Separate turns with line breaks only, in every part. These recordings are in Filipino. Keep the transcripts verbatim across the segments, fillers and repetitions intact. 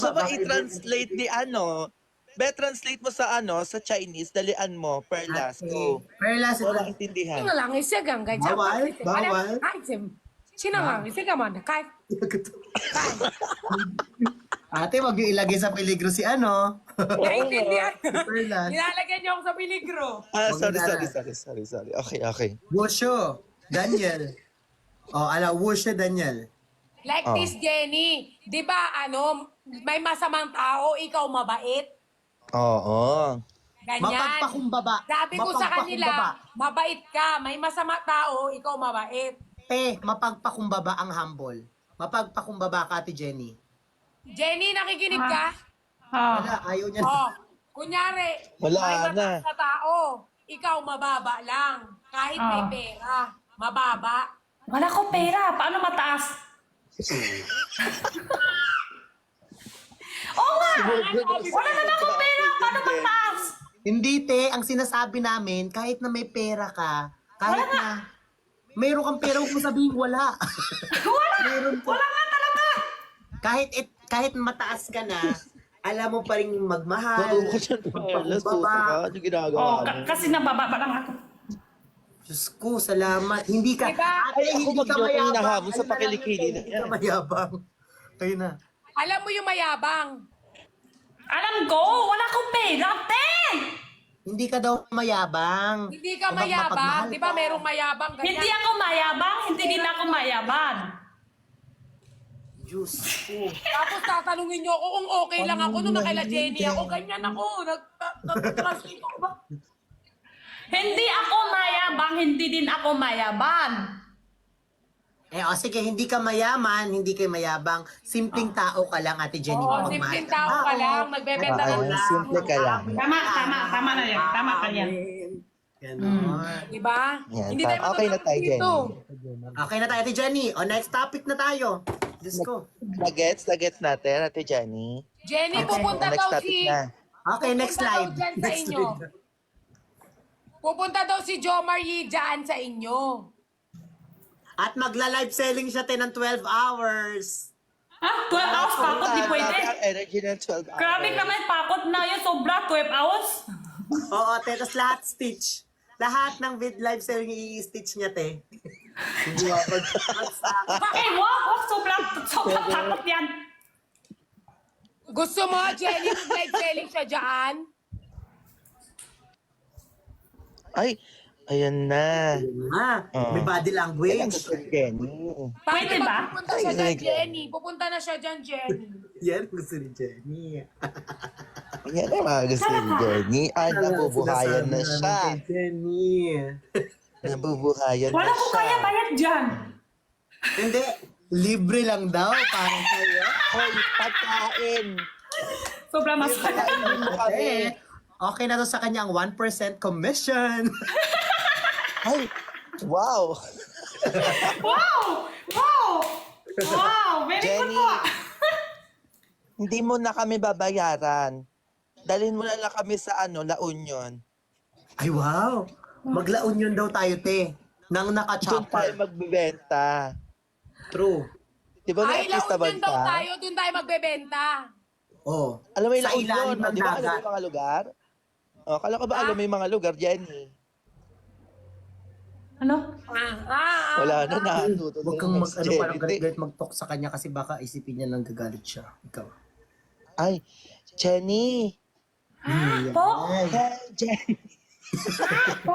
Gusto ba i-translate ni ano? Be, translate mo sa ano, sa Chinese, dalian mo, perlas. Go.
Perlas.
Wala intindihan.
这个狼是更改讲
Bawal,
话，
bawal.
哎，这新郎是干嘛的？开开，
Ate, wag yung ilagay sa peligro si ano.
naiintindihan.
Perlas.
Nilalagyan niyo ako sa peligro.
Ah,
Wag
sorry,
na.
sorry, sorry, sorry, sorry. Okay, okay.
Wusho. Daniel. Oh, ala, Wusho Daniel.
Like
Oh.
this, Jenny. Di ba, ano, may masamang tao, ikaw mabait?
Oo.
Ganyan.
Mapagpakumbaba.
Sabi ko sa kanila,
Mapagpakumbaba.
mabait ka. May masama tao, ikaw mabait.
Te, mapagpakumbaba ang humble. Mapagpakumbaba ka, Ate Jenny.
Jenny, nakikinig ka?
Wala, ayaw niya.
Oh, kunyari,
Wala
may
na.
mataas na tao, ikaw mababa lang. Kahit may
Ah.
pera, mababa.
Wala ko pera. Paano mataas? Oo nga! Wala naman akong pera. Paano mataas?
Hindi, te. Ang sinasabi namin, kahit na may pera ka, kahit na mayroon kang pera, huwag mo sabihin wala.
Wala!
Meron ka.
Wala nga talaga!
Kahit it, kahit mataas ka na, alam mo pa rin magmahal.
Bago ko dyan, perlas. Puso ka. Ano ginagawa
Oh,
mo?
ka- kasi nabababa lang ako.
Diyos ko, salamat. Hindi ka,
Diba?
ate,
Ay, ako
hindi ka
mag-joke yung
mayabang.
hinahabol sa
Ano na lang
pakilikili
yun,
na
Hindi
yan.
ka mayabang. Kayo na.
Alam mo yung mayabang.
Alam ko, wala akong pera, te!
Hindi ka daw mayabang.
Hindi ka
Kapag
mayabang.
mapagmahal
Di ba
ka.
merong mayabang? Ganyan.
Hindi ako mayabang, hindi din ako mayabang.
Diyos ko.
Tapos tatanungin niyo ako kung okay lang ako nung nakaila Jenny ako. Ganyan ako. Nag-translate ako ba?
Hindi ako mayabang, hindi din ako mayabang.
Eh, o sige, hindi ka mayaman, hindi ka mayabang. Simpleng tao ka lang, Ate Jenny.
Oo,
mapagmahal
simpleng
ka.
tao ka
Oo.
lang. Nagbebenta
Ah,
ng
ayun, simple ka lang.
Tama, tama, tama na yan. Tama ka yan.
Ganon.
Di ba?
Yan,
Hindi
pa-
tayo
okay na tayo,
matutulog dito.
Okay na tayo, Ate Jenny. O, next topic na tayo. Diyos ko.
Nagets, nagets natin, Ate Jenny.
Jenny, pupunta
Next
daw
topic
si...
na.
Okay, next
Pupunta
slide.
daw dyan sa
Next
inyo.
slide.
Pupunta daw si Jo Marie dyan sa inyo.
At magla-live selling siya ten ng twelve hours.
Ah, twelve hours pakot, di pwede.
Ang energy ng twelve hours.
Grabe naman, pakot na yun, sobra, twelve hours.
Oo, te. Tapos lahat stitch. Lahat ng vid live selling i-stitch niya, te. Hindi ako.
Eh, wag, wag, sobra, sobra pakot yan.
Gusto mo, Jenny, mag-live selling siya dyan?
Ay, ayan na.
Ah, may body
Kailan
language.
ko si Jenny.
Pwede ba?
Pupunta siya
Ay,
dyan,
ay,
Jenny. Pupunta na siya dyan, Jenny.
Yan, gusto ni Jenny.
Ayan na mga gusto ni Jenny. Ay, nabubuhayan na
Sinasabi
siya.
namin kay Jenny.
Nabubuhayan na
Wala ko
siya.
kaya bayad dyan.
Hindi, libre lang daw para sa'yo.
Hoy, pagkain.
Sobra mas.
Pagkain mo kami.
Eh, okay na to sa kanyang one percent commission.
Ay, wow.
Wow! Wow! Wow! Very good
Jenny.
po.
Hindi mo na kami babayaran. Dalhin mo na lang kami sa ano, La Union.
Ay, wow. Maglaon yun daw tayo, te. Nang
Doon tayo
naka-chopper.
magbibenta.
True.
Di ba
Ay,
may artista
laon din daw
banta?
tayo. Doon tayo magbebenta.
Oh.
Alam mo yung
Sa
La Union,
ilalim
o,
ng
di ba alam mo
dagat.
yung mga lugar? O, kala ko ba alam mo yung mga lugar, Jenny?
Ano?
Ah, ah, ah.
Wala na, natuto
Huwag
na
kang
yung
mag,
next
ano, parang
Jenny.
galit-galit mag-talk sa kanya kasi baka isipin niya nang gagalit siya. Ikaw.
Ay, Jenny!
Po?
Hey, Jenny!
Po?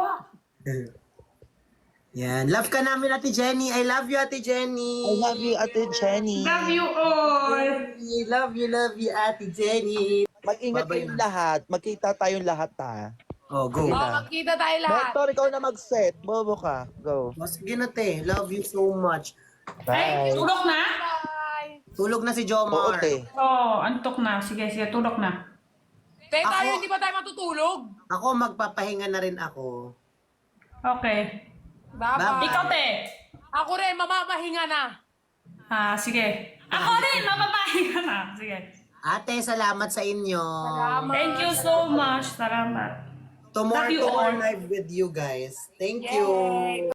Yan. Love ka namin, Ate Jenny. I love you, Ate Jenny.
I love you, Ate Jenny.
Love you all.
I love you, love you, Ate Jenny.
Mag-ingat
Babay
kayong
na.
lahat. Magkita tayong lahat, ha?
Oh, go.
Oh, magkita tayo lahat.
Mentor, ikaw na mag-set. Bobo ka. Go.
Oh, sige na, te. Love you so much.
Ay,
Bye.
tulog na?
Bye.
Tulog na si
Oo,
Jomar.
te.
Oo, oh, antok na. Sige, sige, tulog na.
Tayo tayo,
Ako-
hindi ba tayo matutulog?
Ako, magpapahinga na rin ako.
Okay.
Bye-bye.
Ikaw, te.
Ako rin, mamamahinga na.
Ah, sige. Ako rin, mapapahinga na. Sige.
Ate, salamat sa inyo.
Salamat.
Thank you so much. Salamat.
Tomorrow,
Love you
tomorrow
all.
live with you guys. Thank
Yay.
you.